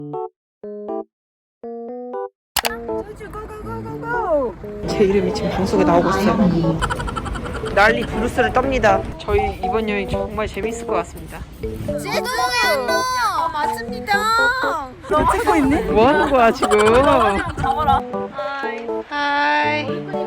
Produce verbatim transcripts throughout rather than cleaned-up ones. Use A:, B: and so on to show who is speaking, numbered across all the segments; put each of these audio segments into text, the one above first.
A: 제 이름이 지금 방송에 나오고 있어요. 난리 부르스를 떱니다. 저희 이번 여행 정말 재밌을 것 같습니다.
B: 제주도에 어, 맞습니다.
A: 너 찍고 있니? 뭐 하는 거야 지금?
B: 잡아라.
A: 하이. 하이.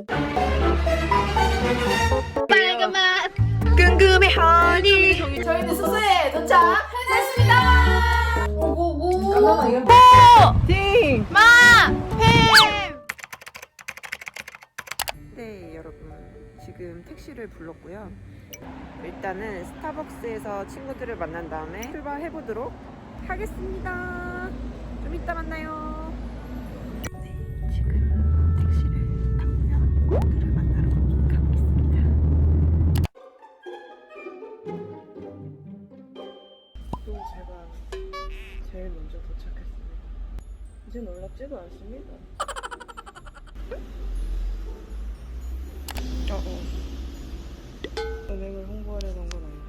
B: 빨간 맛.
A: 궁금해 허니.
B: 저희는 숙소에 도착했습니다. 오고고.
A: 띵.
B: 마. 팸.
A: 네 여러분 지금 택시를 불렀고요. 일단은 스타벅스에서 친구들을 만난 다음에 출발해 보도록 하겠습니다. 좀 이따 만나요. 네 지금 택시를 타고요. 친구들을 만나러 가고 있습니다. 또 제가 제일 먼저 도착했습니다. 이제 놀랍지도 않습니다. 어, 어. 은행을 홍보하려던 건 아닌데.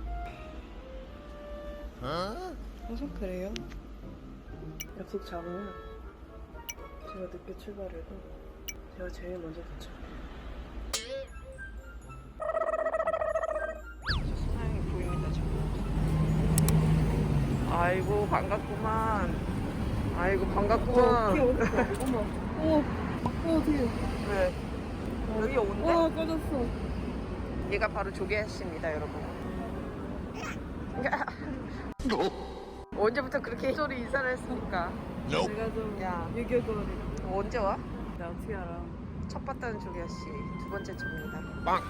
A: 어? 항상 그래요? 약속 잡으면 제가 늦게 출발해도 제가 제일 먼저 도착해요. 소나영이 보입니다 지금. 아이고 반갑구만. 아이고 반갑구만.
C: 어머, 어, 어, 어떡해.
A: 왜? 여기 온대?
C: 와, 꺼졌어.
A: 얘가 바로 조개씨입니다 여러분. 언제부터 그렇게 소리 인사를 했습니까?
C: 내가 좀
A: 야
C: 유교거리라.
A: 언제 와?
C: 나 어떻게 알아?
A: 첫 봤다는 조개씨 두 번째 차입니다. 빵!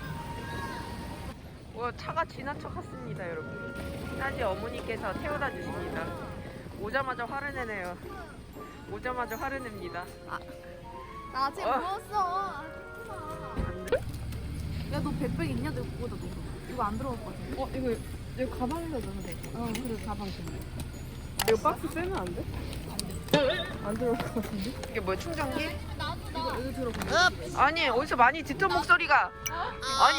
A: 와 차가 지나쳐 갔습니다 여러분. 따지 어머니께서 태워다 주십니다. 오자마자 화를 내네요. 오자마자 화를 냅니다.
B: 나 아직
A: 어.
B: 누웠어.
A: 안돼?
B: 야, 너 백백 있냐? 너 그거다, 너. 이거 안 들어갔거든.
C: 어, 이거, 이거 가방에다 넣으면 돼.
B: 어, 그래, 가방 좀.
C: 이거 박스 빼면 안 돼? 안 들어올 것 같은데?
A: 이게 뭐야 충전기?
C: 이거, 이거 들어가.
A: 아니 어디서 많이 듣던 목소리가. 아니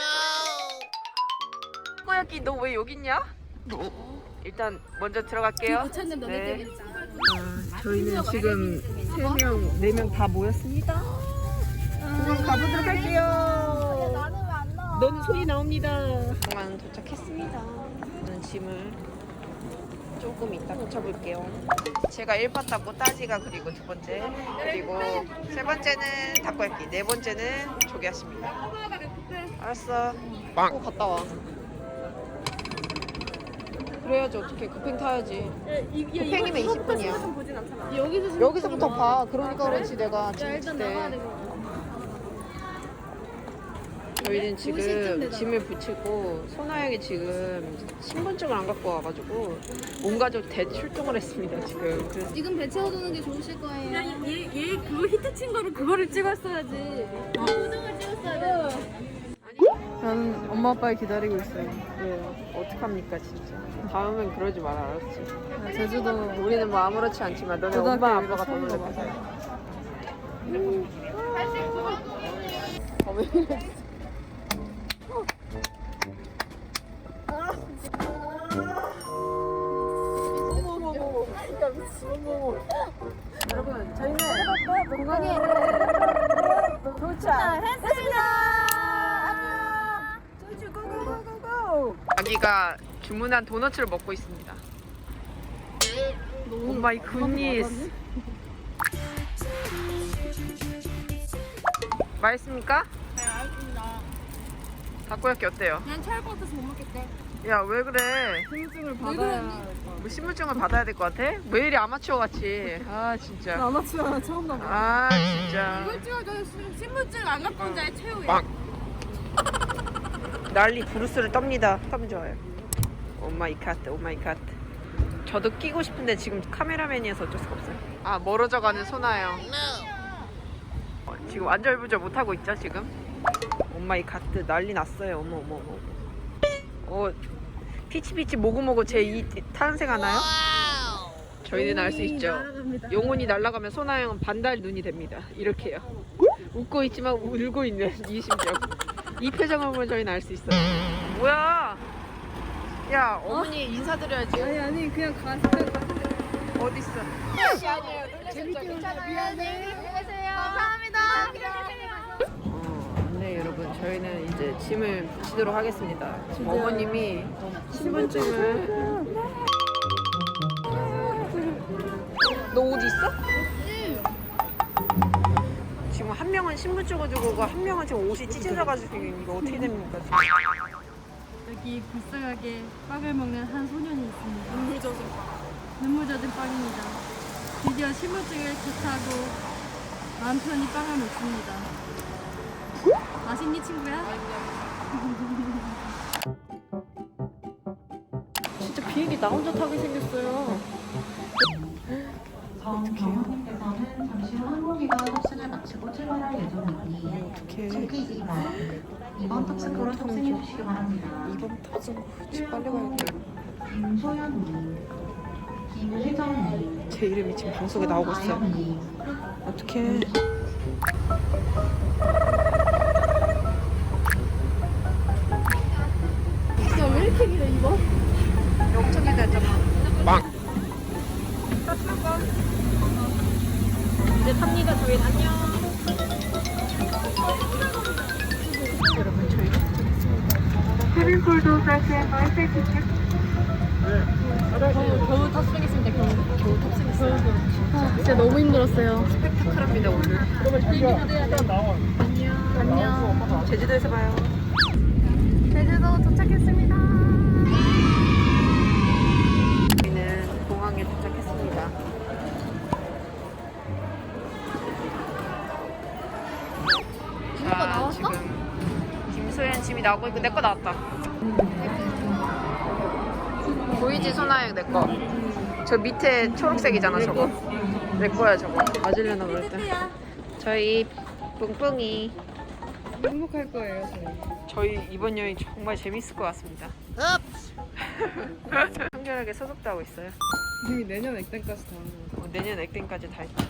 A: 꼬야끼 너 왜 여기 있냐? 일단 먼저 들어갈게요.
B: 찾는다,
A: 네.
B: 내
A: 아, 저희는 지금 세 명, 네 명 다 모였습니다. 그럼 가보도록 할게요.
B: 나는 왜 안 나와?
A: 너는 소리 나옵니다. 공항 도착했습니다. 저는 짐을 조금 이따 붙여볼게요. 제가 일 파 탔고 따지가 그리고 두 번째 그리고 세 번째는 닭갈비 네 번째는 조개였습니다. 알았어. 빵. 갔다 와. 그래야지 어떻게 급행 타야지. 급행이면 이십 분이야.
B: 여기서
A: 여기서부터 봐. 그러니까 그렇지 내가 짐
B: 일단
A: 때.
B: 나가야 되고.
A: 저희는 지금 짐을 붙이고 소나영이 지금 신분증을 안 갖고 와가지고 온 가족 대출동을 했습니다 지금. 그래서
B: 지금 배 채워두는 게 좋으실 거예요.
C: 얘, 얘 그거 히트 친 거를 그거를 찍었어야지.
B: 우등을 찍었어야 돼.
C: 나는 엄마 아빠를 기다리고 있어요.
A: 왜요? 어떡합니까 진짜. 다음엔 그러지 마라 알았지?
C: 나 제주도
A: 우리는 뭐 아무렇지 않지만 너네
C: 고등학교
A: 엄마
C: 이후로
A: 아빠가 더
C: 처음
A: 놀랄
C: 가봐서.
A: 거야. 어, 왜 이래? 여러분 저희는 공항에 도착했습니다. 고고고고고. 아기가 주문한 도너츠를 먹고 있습니다. 오 마이 굿니스. 맛있습니까?
B: 네, 알겠습니다.
A: 닭고야끼 어때요?
B: 난 체할 것 같아서 못 먹겠대.
A: 야 왜 그래?
C: 신분증을
B: 왜
C: 받아야
A: 뭐 신분증을 받아야 될 것 같아? 왜 이리 아마추어 같이? 아 진짜.
C: 나 아마추어 처음 나봐.
A: 아 진짜.
B: 이걸 찍어줘. 신분증 안 갖고 온 자의 최후야.
A: 빵. 난리 부르스를 떱니다. 참 좋아요. 오 마이 갓, 오 마이 갓. 저도 끼고 싶은데 지금 카메라맨이어서 어쩔 수가 없어요. 아 멀어져가는 소나영. 어, 지금 안절부절 못하고 있죠 지금? 오 마이 갓 난리 났어요. 어머 어머 어머. 어 피치피치 모구모구 제 이 탄생하나요? 저희는 알 수 있죠. 영혼이 날아가면 소나영은 반달 눈이 됩니다. 이렇게요. 웃고 있지만 울고 있는 이 심정. 이 표정을 보면 저희는 알 수 있어요. 뭐야? 야 어머니 인사드려야지.
C: 아니 아니 그냥 가세요.
A: 어딨어? 어, 네 여러분 저희는 이제 짐을 붙이도록 하겠습니다. 지금 어머님이 신분증을 너 옷 있어? 지금 한 명은 신분증을 들고 오고 한 명은 지금 옷이 찢어져가지고 이거 어떻게 됩니까? 지금?
D: 여기 불쌍하게 빵을 먹는 한 소년이 있습니다. 눈물 젖은 빵. 눈물 젖은 빵입니다. 드디어 신분증을 개타고 마음 편히 빵을 먹습니다. 맛있니 친구야?
A: 진짜 비행기 나 혼자 타게 생겼어요.
E: 정원님께서는 잠시 후 항공기가 탑승을 마치고 출발할 예정이니
A: 어떡해.
E: 챙기지 말고 이번 탑승으로 탑승해 주시기 바랍니다.
A: 이번 터진 거 지금 빨리 가야겠다.
E: 김소연님, 김혜정님,
A: 제 이름이 지금 방송에 나오고 있어요.
E: 아영님,
A: 어떡해.
B: 야왜 이렇게 길어 이거?
A: 엄청 기다렸잖아. 빵. 이제 탑니다. 저희 안녕. 여러분 저희
D: 겨우 탑승했습니다. 겨우. 겨우 탑승했어요. 아, 진짜 너무 힘들었어요.
A: 스펙타클합니다 오늘.
D: 안녕. 안녕.
A: 제주도에서 봐요.
D: 제주도 도착했습니다.
A: 저희는 공항에 도착했습니다. 자, 지금 김소연 짐이 나오고 있고 내 거 나왔다. 보이지 소나야 내 거. 저 밑에 초록색이잖아 저거. 내 거야 저거. 맞으려나 그럴 때. 저희 뿡뿡이.
C: 행복할 거예요, 저희.
A: 저희 이번 여행 정말 재밌을 것 같습니다. 청결하게 소독도 하고 있어요.
C: 이미 내년 액땜까지 다 하는 거.
A: 어, 내년 액땜까지 다 했다.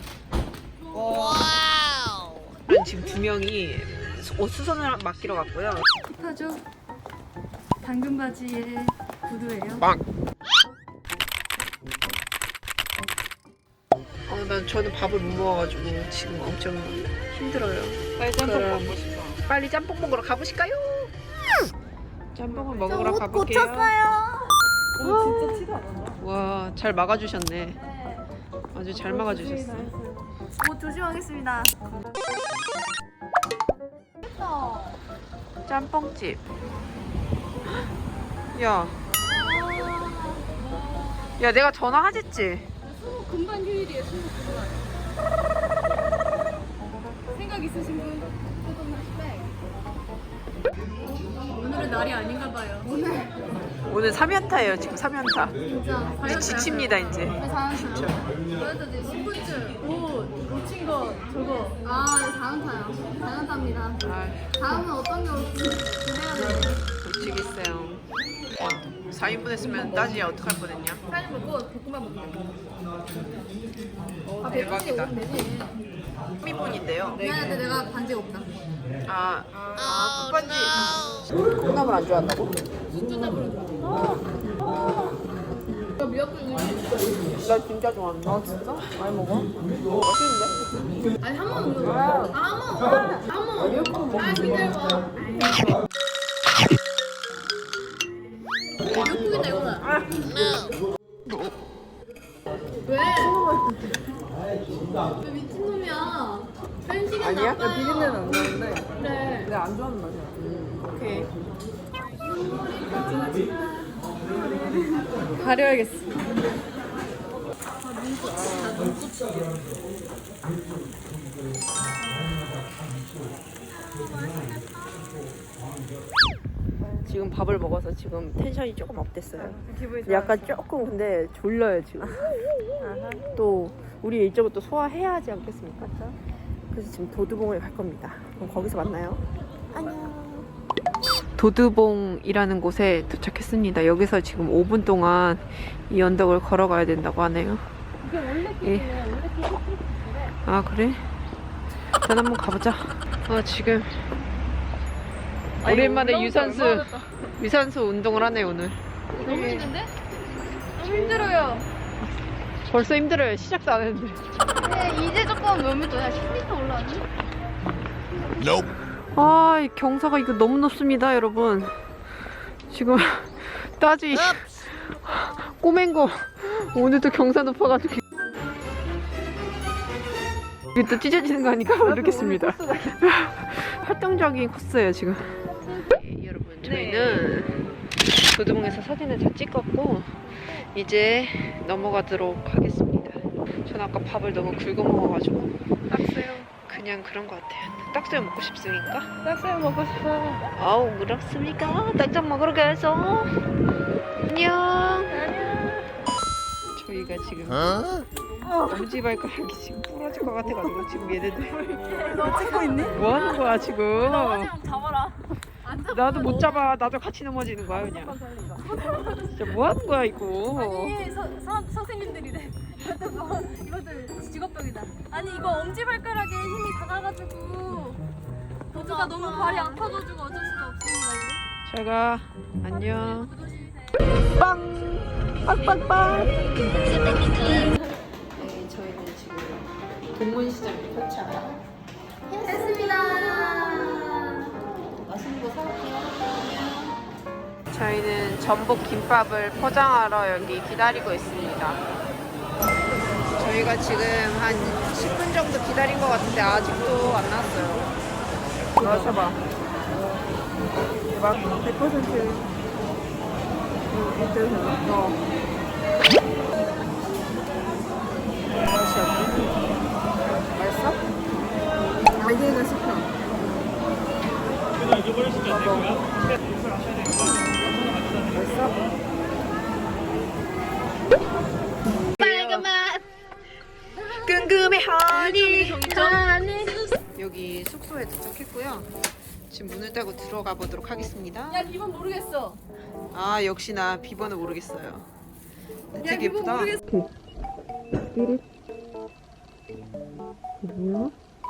A: 와우. 지금 두 명이 옷 수선을 맡기러 갔고요.
D: 힙하죠? 당근 바지에 구두예요.
A: 빵. 어, 난 저는 밥을 못 먹어가지고 지금 엄청 힘들어요. 빨리 짬뽕 먹고 싶어. 빨리 짬뽕 먹으러 가보실까요? 짬뽕을 먹으러 가볼게요.
C: 어, 진짜 티도 안 난다.
A: 와, 잘 막아주셨네. 아주 잘 막아주셨어.
B: 옷 조심하겠습니다.
A: 짬뽕집. 야. 야, 내가 전화하랬지?
D: 금반 휴일이에요. 수목 금반. 생각 있으신 분? 오늘은 날이 아닌가 봐요. 오늘
A: 오늘 삼 연타예요, 지금 삼 연타.
D: 진짜
A: 이제 지칩니다, 이제.
D: 진짜. 그래도 이제 신분증, 옷, 놓친 거 저거.
B: 아 이거 사연타요. 사연타입니다.
A: 아,
B: 다음은 어떤 게 올지 기대가 되네.
A: 미치겠어요. 사 인분 했으면 따지 어떡할 뻔했냐?
B: 사연 먹고 볶음밥 먹게.
A: 어, 대박이다.
B: 되지.
A: 삼 인분인데요.
B: 미안한데 내가 반지가 없다.
A: 아, 아, 국반지. 콩나물 안 좋아한다고?
B: 이거 미역국
A: 나 진짜 좋아한다. 아, 진짜? 많이 먹어? 맛있는데?
B: 아니 한 번 먹는 거야. 아한 번. 한 번. 미역국 아 기다려봐. 미역국이다 이거다. 왜? 왜 미친놈이야? 편식은
A: 아니야?
B: 나빠요.
C: 비린내는 안 나는데
B: 그래.
C: 내가 안 좋아하는 맛이야.
A: 오케이.
C: 가려야겠어.
A: 지금 밥을 먹어서 지금 텐션이 조금 업됐어요.
C: 기분이
A: 약간 조금 근데 졸려요 지금. 또 우리 일정을 또 소화해야 하지 않겠습니까? 그래서 지금 도두봉을 갈 겁니다. 그럼 거기서 만나요. 안녕. 도두봉이라는 곳에 도착했습니다. 여기서 지금 오 분 동안 이 언덕을 걸어가야 된다고 하네요.
D: 이게 원래
A: 예.
D: 길이에요. 원래 길이 그래.
A: 아 그래? 일단 한번 가보자. 아 지금 오랜만에 유산소 유산소 운동을 하네 오늘.
D: 너무 힘든데? 너무 힘들어요.
A: 벌써 힘들어요. 시작도 안 했는데.
B: 근데 이제 조금 몇미 도야? 십 미터 올라왔니?
A: 아, 이 경사가 이거 너무 높습니다, 여러분. 지금 따지 꼬맨 거 오늘도 경사 높아가지고 이게 또 찢어지는 거 아니까 모르겠습니다. 활동적인 코스예요 지금. 네, 여러분 저희는 도드봉에서 사진을 다 찍었고 이제 넘어가도록 하겠습니다. 전 아까 밥을 너무 굵어 먹어가지고 딱새우 그냥 그런 것 같아요. 딱새우 먹고 싶습니까?
C: 딱새우 먹고 싶어.
A: 아우 그렇습니까? 딱장 먹으러 가서 안녕. 저희가 지금 엄지발가락이 지금 부러질 것 같아가지고 지금 얘네들
B: 너 찍고 있니?
A: 뭐 하는 거야 지금?
B: 잡아라.
A: 나도 못 잡아. 나도 같이 넘어지는 거야 그냥. 진짜 뭐 하는 거야 이거?
B: 아니 서, 서, 선생님들이래. 이것도 이것도 직업병이다. 아니 이거 엄지발가락에 힘이 닿아가지고 보드가 너무 발이 아파가지고 어쩔 수가 없습니다. 이거.
A: 잘가. 안녕. 빵! 빵빵빵! 네, 저희는 지금 동문시장 포차.
B: 했습니다. 맛있는 거 사올게요.
A: 저희는 전복 김밥을 포장하러 여기 기다리고 있습니다. 저희가 지금 한 십 분 정도 기다린 것 같은데 아직도 안 나왔어요. 마셔봐.
C: 막 백 퍼센트 일 등
A: 어. 맛이 어때? 맛있어?
C: 알게가 싶어.
A: 빨간 맛 궁금해 하니 여기 숙소에 도착했고요. 지금 문을 따고 들어가 보도록 하겠습니다.
B: 야 이건 모르겠어.
A: 아 역시나 비번을 모르겠어요. 되게
B: 비번
A: 예쁘다.
B: 모르겠어.
A: 띠릿. 뭐야?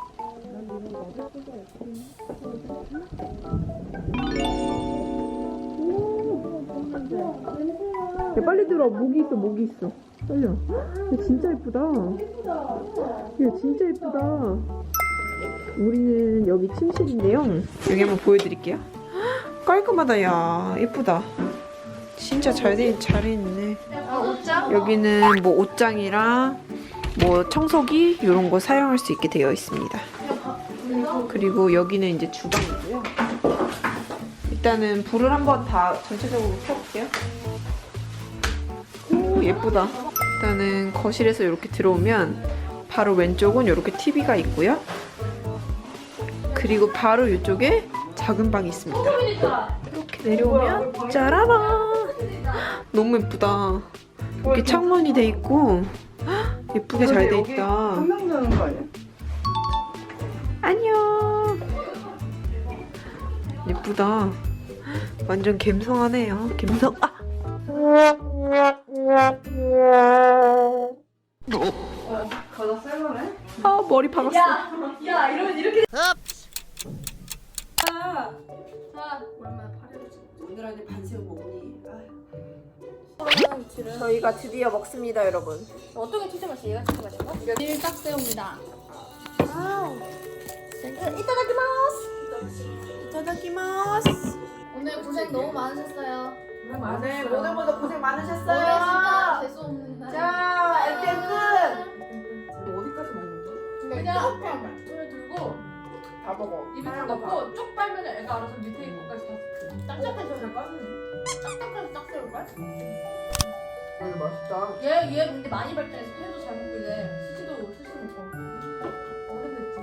A: 야, 빨리 들어. 모기 있어, 모기 있어. 떨려. 야, 진짜 예쁘다. 야, 진짜 예쁘다. 우리는 여기 침실인데요. 여기 한번 보여드릴게요. 깔끔하다, 야. 예쁘다. 진짜 잘 돼, 잘 있네. 여기는 뭐 옷장이랑 뭐 청소기 이런 거 사용할 수 있게 되어 있습니다. 그리고 여기는 이제 주방이고요. 일단은 불을 한번 다 전체적으로 켜볼게요. 오 예쁘다. 일단은 거실에서 이렇게 들어오면 바로 왼쪽은 이렇게 티비가 있고요. 그리고 바로 이쪽에 작은 방이 있습니다. 이렇게 내려오면 짜라란! 너무 예쁘다. 이렇게 창문이 돼 있고 예쁘게 잘 돼 있다.
C: 한명 자는 거 아니야?
A: 안녕. 예쁘다. 완전 갬성하네요. 갬성. 아.
C: 가다 쌀만해?
A: 아 머리 박았어.
B: 야 이러면 이렇게. 자 오랜만에 파리를 찍어.
A: 오늘 안에 반새우 먹니? 저희가 드디어 먹습니다, 여러분.
B: 어떤 게 진짜 맛있어? 얘가 진짜 맛있어? 일 딱새우입니다. 와우. 이따다키마스.
A: 이타다키마스.
B: 오늘 고생 너무 많으셨어요.
A: 네, 모두 모두 고생
B: 오늘
A: 많으셨어요.
B: 진짜 재수 없는 날.
A: 자, 엔딩 끝. 어디까지 먹는 거야?
B: 그냥 그냥 손에 들고
A: 다 먹어.
B: 입에 딱 넣고 쭉 빨면 애가 알아서 밑에 있고까지 다 딱딱해서 잘 빠지네. 딱딱해서 딱새우걸?
A: 오늘 맛있다.
B: 얘, 얘 근데 많이 발전해서 회도 잘 먹고 이제 스시도 스시 먹고 어른됐지.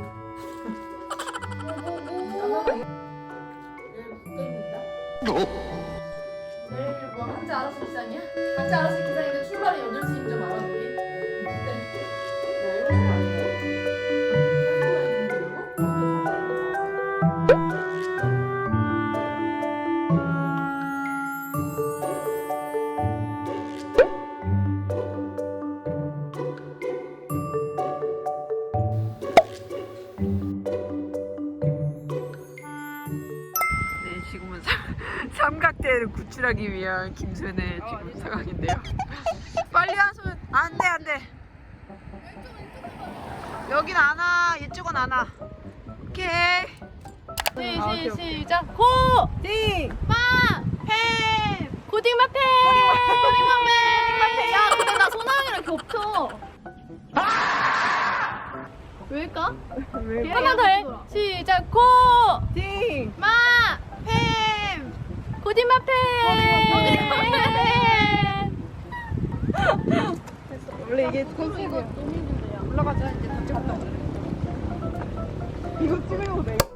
B: 뭐뭐뭐 얘 붙게 있는다. 내일 뭐 한자 알아서 기상이야? 한자 알아서 기상인데 출발이 여덟 시인 줄 알아 우리?
A: 네, 지금은 삼, 삼각대를 구출하기 위한 김순의 지금 상황인데요. 빨리 하소연. 안 돼, 안 돼. 여긴 안 와. 이쪽은 안 와. 오케이.
B: 시,
C: 아,
B: 시,
C: 오케이,
B: 시작. 고!
A: 띵.
B: 마!
A: 햄.
B: 고딩마페! 고딩마페! 야, 근데 나 소나영이랑 겹쳐. 왜일까?
C: 왜?
B: 한 번 더 해. 시작. 고!
A: 띵.
B: 마!
A: 햄.
B: 고딩마페! 고딩마페!
C: 원래 이게 컨셉이야. 올라가자. 이제 다 찍었다. 이거 찍으려고 내.